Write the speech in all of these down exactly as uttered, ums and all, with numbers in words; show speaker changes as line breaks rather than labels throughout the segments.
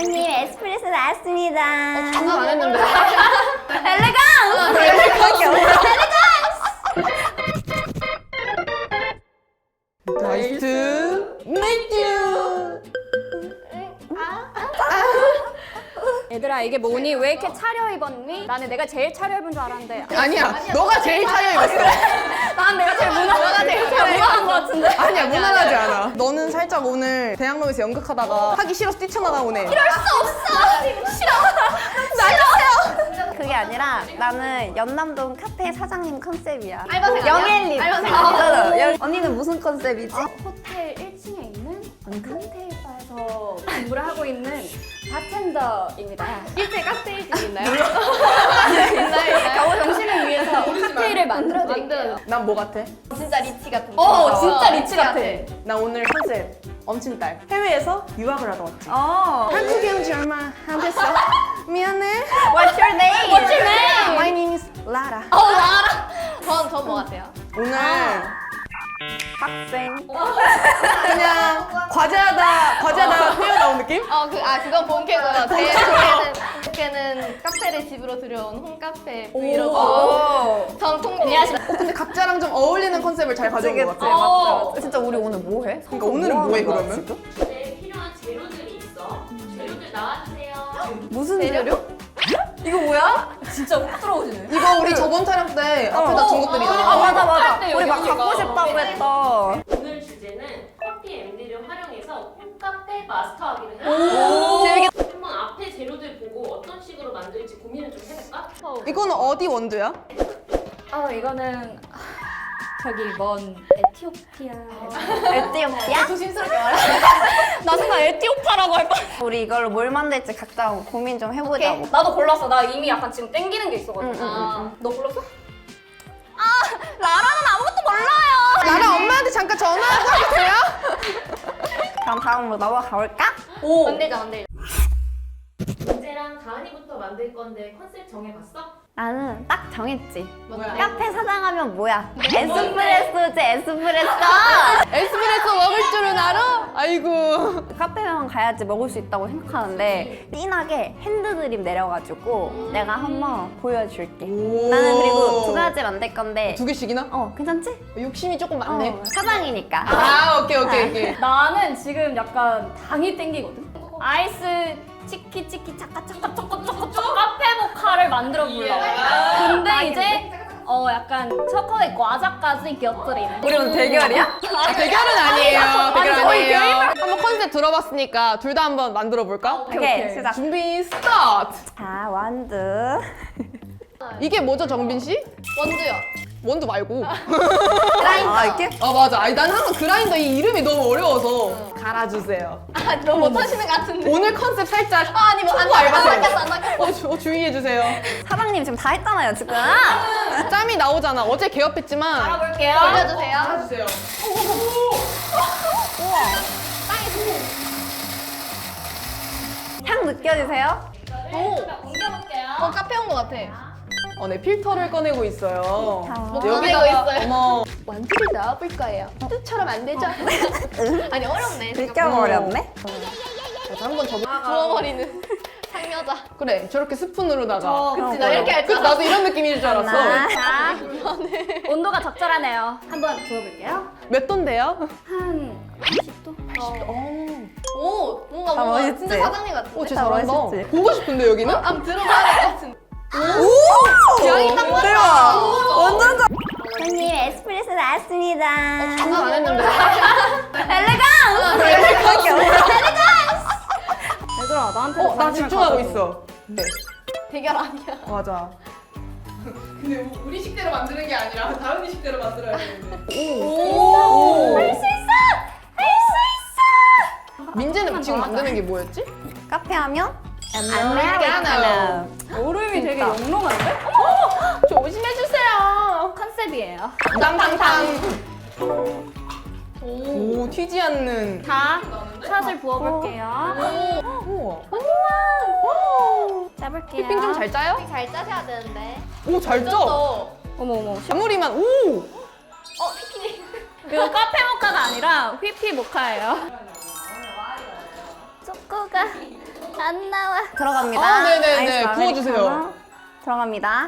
손님 에스프레소 나왔습니다.
장난 안 했는데.
엘레강스! 엘레강스!
나이스 메이트.
얘들아 이게 뭐니? 왜 이렇게 차려입었니? 나는 내가 제일 차려입은 줄 알았는데
아니야, 너가 제일 차려입었어.
난 내가 제일 무난하게 제일 무난한 것 같은데?
아니야, 무난하지 않아. 너는 살짝 오늘 대학로에서 연극하다가 하기 싫어서 뛰쳐나가오네.
이럴 수 없어! 싫어! 싫어! 그게 아니라 나는 연남동 카페 사장님 컨셉이야.
알바생이야?
영앤리.
알바생.
아, 영- 언니는 무슨 컨셉이지?
호텔 일 층에 있는 칵테일 바에서 근무를 하고 있는 바텐더입니다.
실제 칵테일집 있나요?
겨우 정신을 위해서 칵테일을 만들어 드릴게요.
난 뭐 같아?
진짜 리치 같은
어, 진짜 리치 같아.
나 오늘 컨셉 엄친딸. 해외에서 유학을 하러 왔지.
어.
한국에 온 지 얼마 안 됐어. 미안해.
What's your name?
What's your name?
My name is Lara.
어, 알아. 전, 전 뭐 같아요?
오늘
학생.
그냥 과제하다 과제하다 회어 나온 느낌?
어, 그, 아, 그건 본캐고요. 제 본캐는, 본캐는 카페를 집으로 들여온 홈카페 브이로그.
오.
전 통,
어, 근데 각자랑 좀 어울리는 컨셉을 잘 가져온 것 같아.
어.
진짜 우리 오늘 뭐 해?
그러니까 오늘은 뭐해 그러면?
네, 필요한 재료들이 있어. 재료들 나와주세요.
무슨 재료? 이거 뭐야?
진짜 훅 들어오시네.
이거 우리 저번 촬영 때 앞에다 준 것들이잖아.
아 맞아 맞아.
할 때
우리 막
여기가.
갖고 싶다고 했다.
오늘 주제는 커피 엠디를 활용해서 홈카페 마스터하기를 해요.
재밌겠다.
한번 앞에 재료들 보고 어떤 식으로 만들지 고민을 좀 해볼까?
이거는 어디 원두야?
아 이거는 저기 먼 에티오피아.
에티오피아?
조심스럽게 말해.
나 순간 에티오파라고 할 뻔.
우리 이걸로 뭘 만들지 각자 고민 좀 해보자고.
나도 골랐어. 나 이미 약간 지금 땡기는 게 있어가지고.
응, 응,
아,
너 골랐어?
라라는 아무것도 몰라요.
나랑 엄마한테 잠깐 전화하고 하세요?
그럼 다음으로 넘어가 볼까?
오.
만들자, 만들자.
문제랑 다은이부터 만들 건데 컨셉 정해봤어?
나는 딱 정했지.
뭐야?
카페 사장하면 뭐야? 에스프레소지 에스프레소.
에스프레소 먹을 줄은 알아? 아이고.
카페만 가야지 먹을 수 있다고 생각하는데 진하게 핸드드립 내려가지고 내가 한번 보여줄게.
오.
나는 그리고 두 가지 만들 건데
두 개씩이나?
어 괜찮지?
욕심이 조금 많네.
어, 사장이니까.
아 오케이 오케이 오케이.
나는 지금 약간 당이 땡기거든. 아이스 치키 치키 차카 차카 초코 초코 초코 카페 모카를 만들어 보려고. 근데 이제 어 약간 초콜릿 과자까지 곁들이는.
우리 오늘 대결이야?
아, 대결은 아니에요. 대결
아니, 저희
아니에요. 한번 컨셉 들어봤으니까 둘 다 한번 만들어 볼까?
오케이,
오케이
오케이.
아,
시작.
준비 스타트.
자 원두.
이게 뭐죠 정빈 씨?
원두요.
원두 말고.
아 이렇게?
아 맞아. 아니 난 항상 그라인더 이 이름이 너무 어려워서 갈아주세요.
아, 너무 못하시는 것 같은데.
오늘 컨셉 살짝
아, 아니, 뭐, 안
초보 알바생.
낚였어, 안 낚였어.
어, 주, 어 주의해 주세요.
사장님 지금 다 했잖아요 지금.
짬이 나오잖아. 어제 개업했지만.
알아볼게요.
올려주세요.
알아주세요.
향 느껴지세요?
오,
옮겨볼게요.
어, 카페 온 것 같아.
어, 네 필터를 꺼내고 있어요.
자,
뭐
여기다가
꺼내고 있어요.
어머.
원두를 넣어볼 거예요. 뜻처럼 안 되죠? 아니, 어렵네.
느껴버렸네.
자, 한번 접어.
부어버리는 상여자.
그래, 저렇게 스푼으로다가.
그치, 나 이렇게 할 줄
그치, 나도 이런 느낌일 줄 알았어.
하나.
자, 온도가 적절하네요. 한번 부어볼게요.
몇 도인데요?
한 삼십 도?
어.
오, 뭔가
아,
뭔가
멋있지?
진짜 사장님 같은데?
오, 진짜
다
잘한다.
멋있지?
보고 싶은데, 여기는?
한번 들어봐야 될 것 같은데.
오!
양이 딱 맞다.
대박! 완전 잘. 손님 에스프레소 나왔습니다.
장난 안 했는데.
엘레강스! 엘레강스!
얘들아, 나한테
어, 나 집중하고 있어. 네,
대결 아니야.
맞아. 근데 우리 식대로 만드는 게 아니라 다은이 식대로 만들어야 되는데.
오! 할 수 있어! 할 수 있어!
민재는 지금 만드는 게 뭐였지?
카페 하면
아메리카노.
얼음이 되게 영롱한데?
조심해주세요.
컨셉이에요.
땅땅땅. 오, 튀지 않는.
자, 샷을 부어볼게요.
우와.
짜볼게요.
휘핑 좀 잘 짜요?
잘 짜셔야 되는데.
오, 잘 짜.
어,
어머 어머.
아무리만, 오!
피키니.
이거 카페 모카가 아니라 휘피 모카예요.
초코가
안 나와.
들어갑니다.
아, 네네네.
아이스
구워주세요.
아메리카노. 들어갑니다.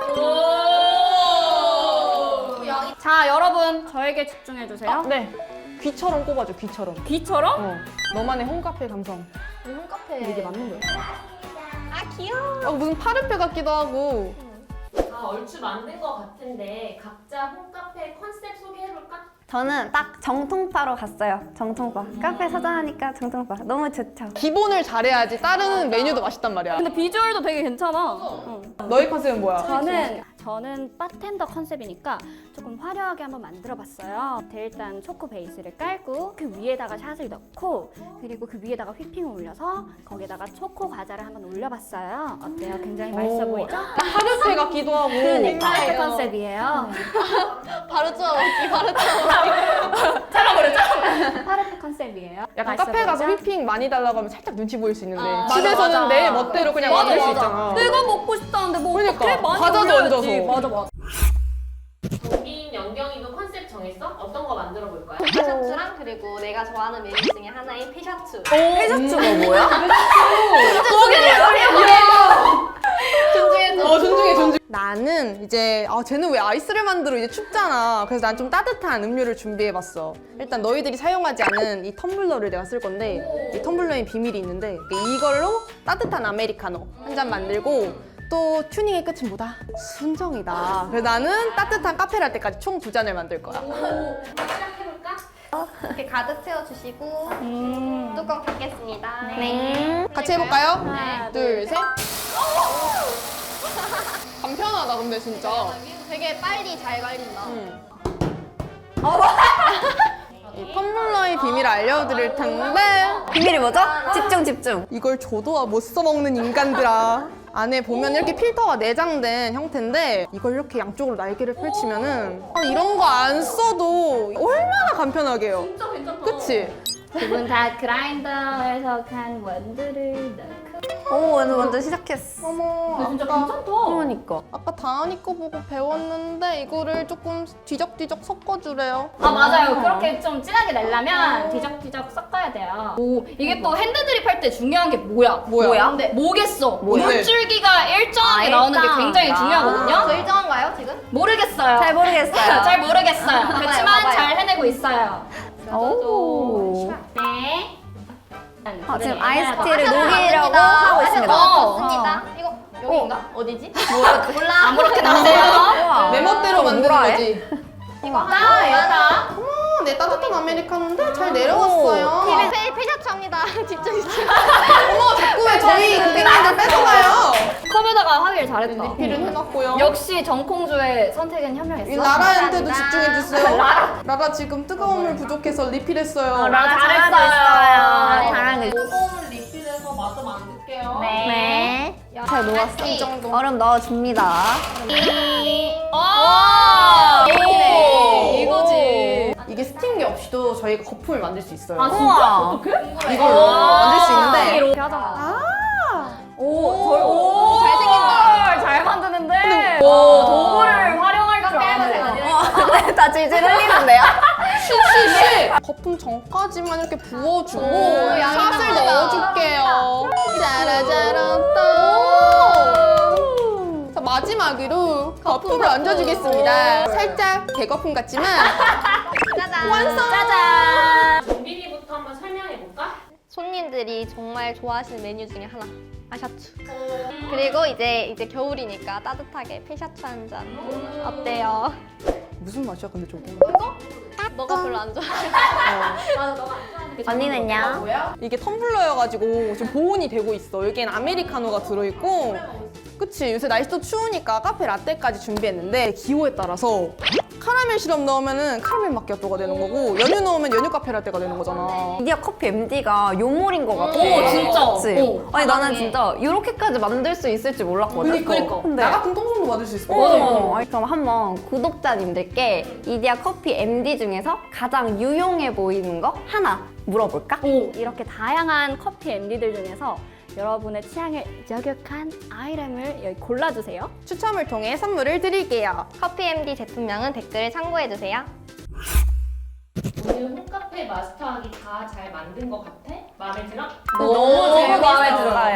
자, 여러분 저에게 집중해 주세요.
네. 귀처럼 꼽아줘, 귀처럼.
귀처럼?
어. 너만의 홈카페 감성.
홈카페.
이게 맞는 거예요?
아 귀여워.
어, 무슨 파르페 같기도 하고.
다 얼추 만든 것 같은데 각자 홈카페 컨셉 소개해볼까?
저는 딱 정통파로 갔어요. 정통파. 카페 사장하니까 정통파. 너무 좋죠.
기본을 잘해야지 다른 메뉴도 맛있단 말이야.
근데 비주얼도 되게 괜찮아. 응.
너희 컨셉은 뭐야?
저는 저는 바텐더 컨셉이니까 조금 화려하게 한번 만들어봤어요. 일단 초코 베이스를 깔고 그 위에다가 샷을 넣고 그리고 그 위에다가 휘핑을 올려서 거기에다가 초코 과자를 한번 올려봤어요. 어때요? 굉장히 맛있어
오.
보이죠?
파르페 같기도 하고.
그러니까 파르페
그러니까요.
컨셉이에요.
바로 쪄먹기 바로 쪄먹기.
파르페 컨셉이에요.
약간
맛있어
카페 가서
보이죠?
휘핑 많이 달라고 하면 살짝 눈치 보일 수 있는데
아,
집에서는
맞아,
내
맞아.
멋대로 그냥
맞아,
만들 수
맞아.
있잖아.
내가 먹고 싶다는데 뭐
그러니까,
어떡해? 많이
과자도
올려야지.
얹어서.
맞아 맞아.
정빈, 영경이도 컨셉 정했어? 어떤 거 만들어 볼 거야?
피셔츠랑 그리고 내가 좋아하는 메뉴 중에 하나인 피셔츠.
회셔츠가 뭐야?
존중해줘.
어, 존중해, 존중. 나는 이제 아 쟤는 왜 아이스를 만들어 이제 춥잖아. 그래서 난 좀 따뜻한 음료를 준비해봤어. 일단 너희들이 사용하지 않은 이 텀블러를 내가 쓸 건데 이 텀블러에 비밀이 있는데 이걸로 따뜻한 아메리카노 한 잔 만들고 또 튜닝의 끝은 뭐다? 순정이다. 그래서 나는 따뜻한 카페라떼까지 총 두 잔을 만들 거야.
시작해볼까?
이렇게 가득 채워주시고
음.
뚜껑 닫겠습니다.
네.
같이 해볼까요?
하나,
둘, 셋. 간편하다 근데 진짜.
되게 빨리 잘 갈린다.
음. 이 텀블러의 비밀을 알려드릴 텐데
비밀이 뭐죠? 집중 집중.
이걸 줘도 못 써먹는 인간들아. 안에 보면 이렇게 필터가 내장된 형태인데 이걸 이렇게 양쪽으로 날개를 펼치면은 아, 이런 거 안 써도 얼마나 간편하게 해요.
진짜 괜찮다.
그치?
두 분 다 그라인더에서 간 원두를 넣고.
오, 오늘 먼저 시작했어.
어머,
근데 진짜
아까,
괜찮다.
그러니까.
아까 다은이 거 보고 배웠는데 이거를 조금 뒤적뒤적 섞어주래요.
아 맞아요. 그렇게 좀 진하게 내려면 뒤적뒤적 섞어야 돼요. 오 이게 또 핸드드립 할 때 중요한 게 뭐야?
뭐야?
뭐야?
근데 뭐겠어?
뭐야?
물줄기가 일정하게
아,
나오는 게
일정하다.
굉장히
저
중요하거든요.
일정한가요 지금?
모르겠어요.
잘 모르겠어요.
잘 모르겠어요. 그렇지만
봐봐요.
잘 해내고 있어요.
오.
네.
아, 지금
네.
아이스티를
마셔도 안
녹이려고
됩니다.
하고
마셔도
있습니다.
어.
좋습니다. 이거 여기인가? 어디지?
몰라.
아무렇게 나세요.
우와.
내 멋대로
좀
만드는
뭐라 해?
거지.
이거.
나 여다.
어, 내 따뜻한 아메리카노인데 잘 내려왔어요.
페, 페셔츠합니다. 집중 집중.
어머, 자꾸 왜 저희 고객님들 뺏어가요?
컵에다가 하길 잘했다.
리필은 해놨고요.
역시 정콩주의 선택은 현명했어.
이 라라한테도
감사합니다.
집중해주세요. 라라 지금 뜨거운 물 부족해서 리필했어요.
라
잘하고 있어요. 잘하고 있어요.
요거는 리필해서 마저 만들게요.
네. 잘 녹았어.
이 정도.
얼음 넣어줍니다.
오!
네.
이거지.
이게 스팀기 없이도 저희가 거품을 만들 수 있어요.
아 진짜?
우와.
어떡해?
이걸로 만들 수 있는데
이렇게 하잖아. 오, 절- 오,
잘생긴다.
잘 만드는데. 오, 도구를 활용할 줄 아네.
어, 다 질질 흘리는데요?
쉬쉬쉬 거품 전까지만 이렇게 부어주고
오,
샷을
양념하다.
넣어줄게요. 짜라짜란따. 자 마지막으로 거품을 얹어주겠습니다. 살짝 대거품 같지만
짜잔.
완성.
짜잔.
정빈이부터 한번 설명해볼까?
손님들이 정말 좋아하시는 메뉴 중에 하나. 아샤츠. 그리고 이제 이제 겨울이니까 따뜻하게 피셔츠 한 잔. 어때요?
무슨 맛이야 근데 저게?
너가 별로 안 좋아해.
언니는요?
이게 텀블러여가지고 지금 보온이 되고 있어. 여기엔 아메리카노가 들어있고 그치? 요새 날씨도 추우니까 카페 라떼까지 준비했는데 기호에 따라서 카라멜 시럽 넣으면은 카라멜 마키아토가 되는 거고 연유 넣으면 연유 카페 라떼가 되는 거잖아.
미디어 커피 엠디가 요물인 것 같아.
오, 진짜.
그치?
오,
아니 나는 진짜 이렇게까지 만들 수 있을 줄 몰랐거든.
그러니까
근데
나 같은 똥손도 받을 수 있을 것
어,
같아.
아니, 그럼 한번 구독자님들께 이디야 커피 엠디 중에서 가장 유용해 보이는 거 하나 물어볼까?
오, 이렇게 다양한 커피 엠디들 중에서 여러분의 취향에 저격한 아이템을 여기 골라주세요.
추첨을 통해 선물을 드릴게요.
커피 엠디 제품명은 댓글에 참고해주세요.
오늘 홈카페 마스터하기 다 잘 만든 것 같아? 마음에 들어?
너무
재밌어.
마음에 들어요.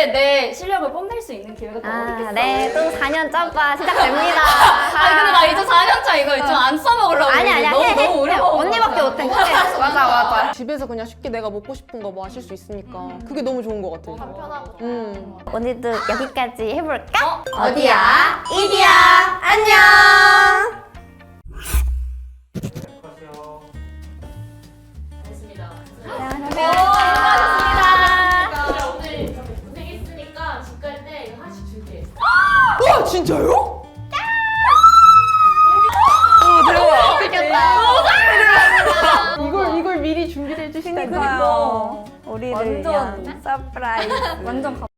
이렇게 내 실력을 뽐낼 수 있는 기회가 또
아,
어딨겠어.
네, 또 사 년 점바 시작됩니다.
아니 근데 나 이제 사 년 차 이거 좀 안 써먹으려고.
아니 아니야,
너무
해, 해,
너무 오래
해.
먹어.
언니밖에 못해. 그래. 맞아, 맞아.
집에서 그냥 쉽게 내가 먹고 싶은 거 뭐 하실 수 있으니까 그게 너무 좋은 것 같아.
편하고.
음.
오늘도 여기까지 해볼까?
어?
어디야? 이디야. 안녕.
됐습니다.
안녕하세요.
자, 오늘 이렇게 고생했으니까 집 갈 때 이거 하나씩 줄게.
와 진짜요? 이걸 이걸 미리 준비를 해주시니까요.
우리를
완전.
위한 서프라이즈.
완전 감.